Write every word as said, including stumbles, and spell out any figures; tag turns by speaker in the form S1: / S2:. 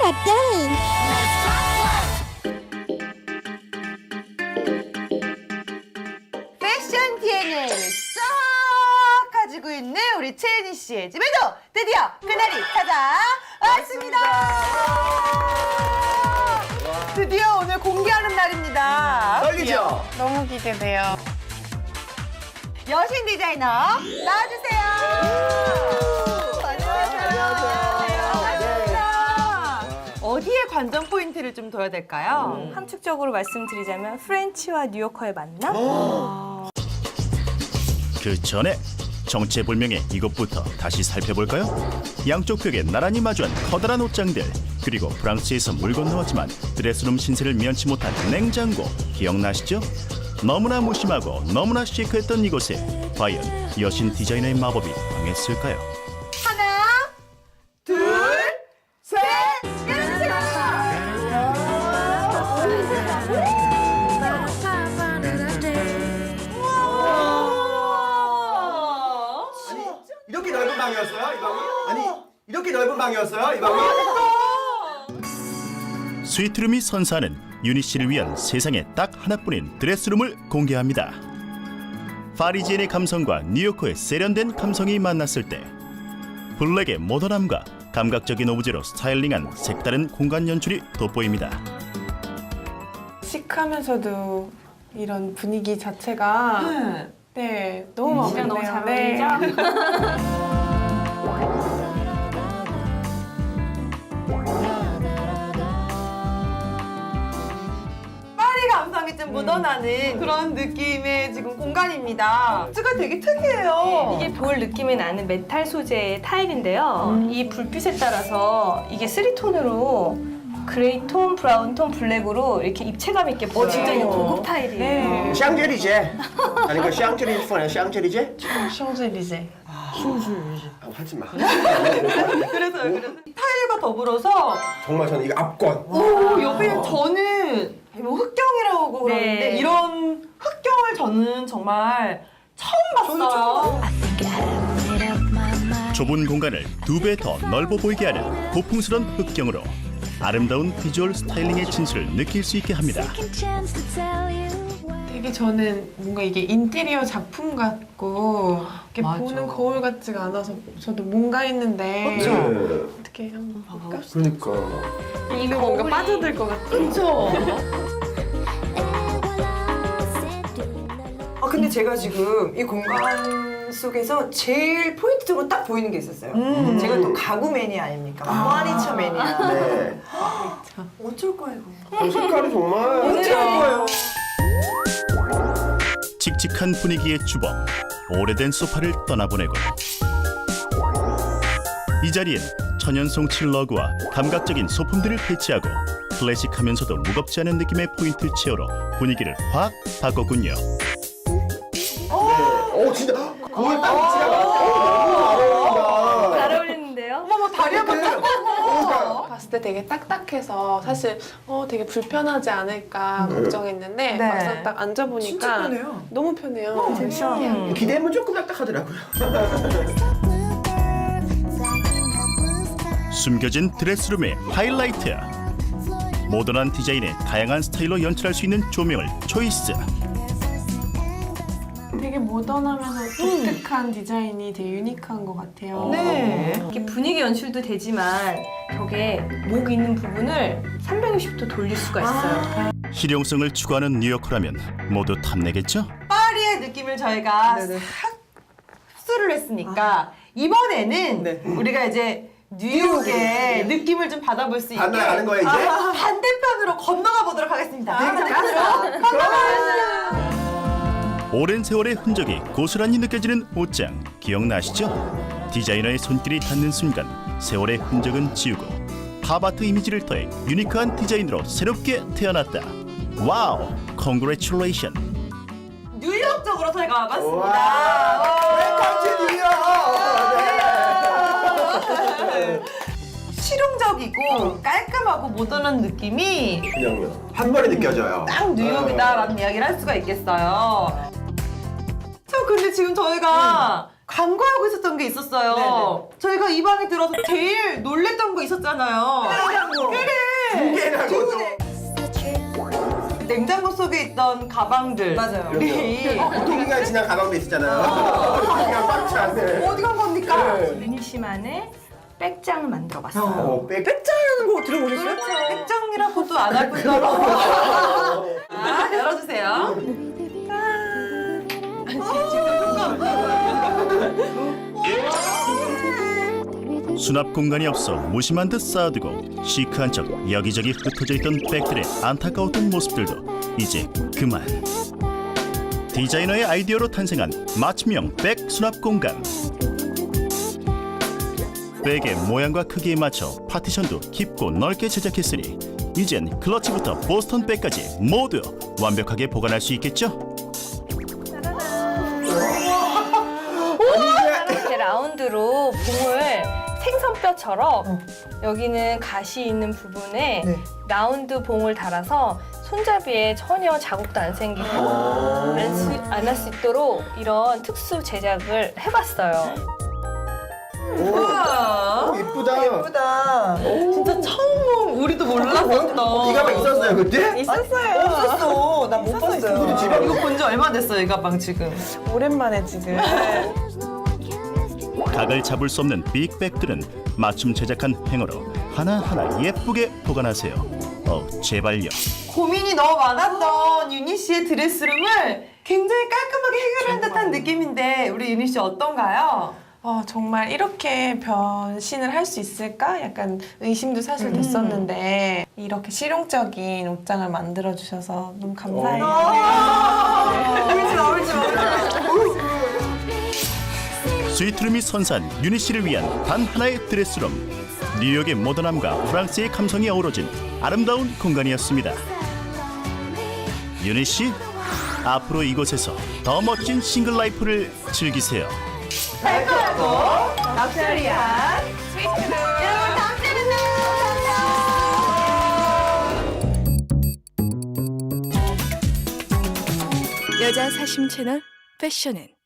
S1: God dang.
S2: 패션 디엔에이를 쏙 가지고 있는 우리 채은이 씨의 집에도 드디어 그날이 찾아왔습니다. 드디어 오늘 공개하는 날입니다.
S3: 떨리죠?
S4: 너무 기대돼요.
S2: 여신 디자이너 나와주세요. 안녕하세요. 반갑습니다. 어디에 관전 포인트를 좀 둬야 될까요?
S5: 함축적으로 말씀드리자면 프렌치와 뉴요커의 만남?
S6: 그 전에 정체불명의 이것부터 다시 살펴볼까요? 양쪽 벽에 나란히 마주한 커다란 옷장들, 그리고 프랑스에서 물 건너왔지만 드레스룸 신세를 면치 못한 냉장고 기억나시죠? 너무나 무심하고 너무나 시크했던 이곳에 과연 여신 디자이너의 마법이 당했을까요?
S2: 하나, 둘, 셋, 열어주세요. 우와.
S3: 이렇게 넓은 방이었어요? 이 방이? 아니 이렇게 넓은 방이었어요? 이 방이?
S6: 스위트룸이 선사하는 유니 씨를 위한 세상에 딱 하나뿐인 드레스룸을 공개합니다. 파리지엔의 감성과 뉴요커의 세련된 감성이 만났을 때 블랙의 모던함과 감각적인 오브제로 스타일링한 색다른 공간 연출이 돋보입니다.
S4: 시크하면서도 이런 분위기 자체가
S2: 네.
S4: 네, 너무 마음에
S5: 진짜
S4: 드네요.
S5: 너무 잘
S4: 네.
S5: 어울리죠?
S2: 파리 감성이 좀 묻어나는 그런 느낌의 지금 공간입니다. 가 되게 특이해요.
S5: 이게 볼 느낌이 나는 메탈 소재의 타일인데요. 이 불빛에 따라서 이게 쓰리톤으로 그레이 톤, 브라운 톤, 블랙으로 이렇게 입체감 있게 보여요. 진짜 이게 고급 타일이에요.
S4: 네.
S3: 샹젤리제 아니 그 샹젤리제 폰이야 샹젤리제?
S4: 샹젤리제.
S3: 아, 하지 마.
S2: 그래서요, 그래서 타일과 더불어서
S3: 정말 저는 이거 압권.
S2: 오, 옆에 저는 뭐 흑경이라고 그러는데
S5: 네.
S2: 이런 흑경을 저는 정말 처음 봤어요.
S6: 좁은 공간을 두 배 더 넓어 보이게 하는 고풍스런 흑경으로 아름다운 비주얼 스타일링의 진수를 느낄 수 있게 합니다.
S4: 되게 저는 뭔가 이게 인테리어 작품 같고 이렇게
S2: 맞아.
S4: 보는 거울 같지가 않아서 저도 뭔가 했는데
S2: 그쵸?
S3: 네.
S4: 어떻게 한번 볼까?
S3: 그러니까.
S4: 이거 뭔가 빠져들 것 같아.
S2: 그렇죠. 아 근데 제가 지금 이 공간 속에서 제일 포인트적으로 딱 보이는 게 있었어요.
S3: 음.
S2: 제가 또 가구 매니아 아닙니까? 퍼니처 매니아.
S3: 네.
S2: 어쩔 거예요, 이거.
S3: 어, 색깔이 정말.
S2: 어쩔 거예요.
S6: 칙칙한 분위기의 주범, 오래된 소파를 떠나보내고 이 자리엔 천연송 칠러그와 감각적인 소품들을 배치하고 클래식하면서도 무겁지 않은 느낌의 포인트 체어로 분위기를 확 바꿨군요.
S3: 오 진짜. 거울 딱 위치가 너무
S5: 잘 어울리는데요?
S2: 어머, 다리 한번 딱.
S4: 봤을 때 되게 딱딱해서 사실 어 되게 불편하지 않을까 걱정했는데
S2: 네.
S4: 막상 딱 앉아보니까
S2: 진짜 편해요.
S4: 너무 편해요.
S2: 음.
S3: 기대면 조금 딱딱하더라고요.
S6: 숨겨진 드레스룸의 하이라이트, 모던한 디자인에 다양한 스타일로 연출할 수 있는 조명을 초이스.
S4: 되게 모던하면서 독특한 디자인이 되게 유니크한 것 같아요.
S2: 네.
S5: 이렇게 분위기 연출도 되지만 벽에 목 있는 부분을 삼백육십 도 돌릴 수가 있어요.
S6: 실용성을 추구하는 뉴요커라면 모두 탐내겠죠?
S2: 파리의 느낌을 저희가
S3: 네네.
S2: 싹 흡수를 했으니까 이번에는
S3: 네.
S2: 우리가 이제 뉴욕의 느낌을 좀 받아볼 수 있게
S3: 반나가는 거야, 이제?
S2: 아, 반대편으로 건너가 보도록 하겠습니다. 반대편으로 건너가.
S6: 오랜 세월의 흔적이 고스란히 느껴지는 옷장 기억나시죠? 디자이너의 손길이 닿는 순간 세월의 흔적은 지우고 팝아트 이미지를 더해 유니크한 디자인으로 새롭게 태어났다. 와우! 컨그레츄레이션!
S2: 뉴욕 쪽으로 저희가
S3: 와.
S2: 와봤습니다.
S3: 웰컴 투 뉴욕. 네.
S2: 실용적이고 깔끔하고 모던한 느낌이
S3: 그냥요. 한 번에 느껴져요.
S2: 딱 뉴욕이다라는 이야기를 할 수가 있겠어요. 저 근데 지금 저희가 간과하고 있었던 게 있었어요.
S3: 네네.
S2: 저희가 이 방에 들어서 제일 놀랬던 거 있었잖아요.
S3: 두 개나 거죠.
S2: 냉장고 속에 있던 가방들. 맞아요. 우리
S3: 어, 동기가 지난 가방도 있었잖아요. 동기가 꽉 차네.
S2: 어디 간 겁니까?
S3: 네.
S5: 유니 씨만의 백장을 만들어봤어요.
S3: 어, 백.
S2: 백장이라는 거 들어보셨어요? 그렇죠. 백장이라고도 안 할 뿐더러. 자, 열어주세요.
S6: 수납 공간이 없어 무심한 듯 쌓아두고 시크한 척 여기저기 흩어져 있던 백들의 안타까웠던 모습들도 이제 그만. 디자이너의 아이디어로 탄생한 맞춤형 백 수납 공간. 백의 모양과 크기에 맞춰 파티션도 깊고 넓게 제작했으니 이젠 클러치부터 보스턴 백까지 모두 완벽하게 보관할 수 있겠죠?
S5: 이렇게 라운드로 봉을 생선뼈처럼 여기는 가시 있는 부분에
S2: 네.
S5: 라운드 봉을 달아서 손잡이에 전혀 자국도 안 생기고 안 할 수 있도록 이런 특수 제작을 해봤어요.
S2: 우와.
S3: 이쁘다.
S2: 예쁘다. 진짜 처음 우리도 몰랐었던.
S3: 이 가방 있었어요 그때?
S2: 있었어요. 없었어. 나 못 봤어요.
S3: 우리 집에
S2: 이거 본 지 얼마 됐어요, 이 가방 지금.
S4: 오랜만에 지금.
S6: 각을 잡을 수 없는 빅백들은 맞춤 제작한 행어로 하나하나 예쁘게 보관하세요. 어, 제발요.
S2: 고민이 너무 많았던 유니 씨의 드레스룸을 굉장히 깔끔하게 해결한 듯한 느낌인데 우리 유니 씨 어떤가요?
S4: 어, 정말 이렇게 변신을 할 수 있을까? 약간 의심도 사실 됐었는데 이렇게 실용적인 옷장을 만들어 주셔서 너무 감사해요.
S2: 울지 마, 울지 마, 울지 마.
S6: 스위트룸이 선사한 유니 씨를 위한 단 하나의 드레스룸. 뉴욕의 모던함과 프랑스의 감성이 어우러진 아름다운 공간이었습니다. 유니 씨, 앞으로 이곳에서 더 멋진 싱글 라이프를 즐기세요.
S2: 달콤하고 럭셔리한 스위트룸. 여러분 다음 주에 만나요.
S1: 여자 사심 채널 패션은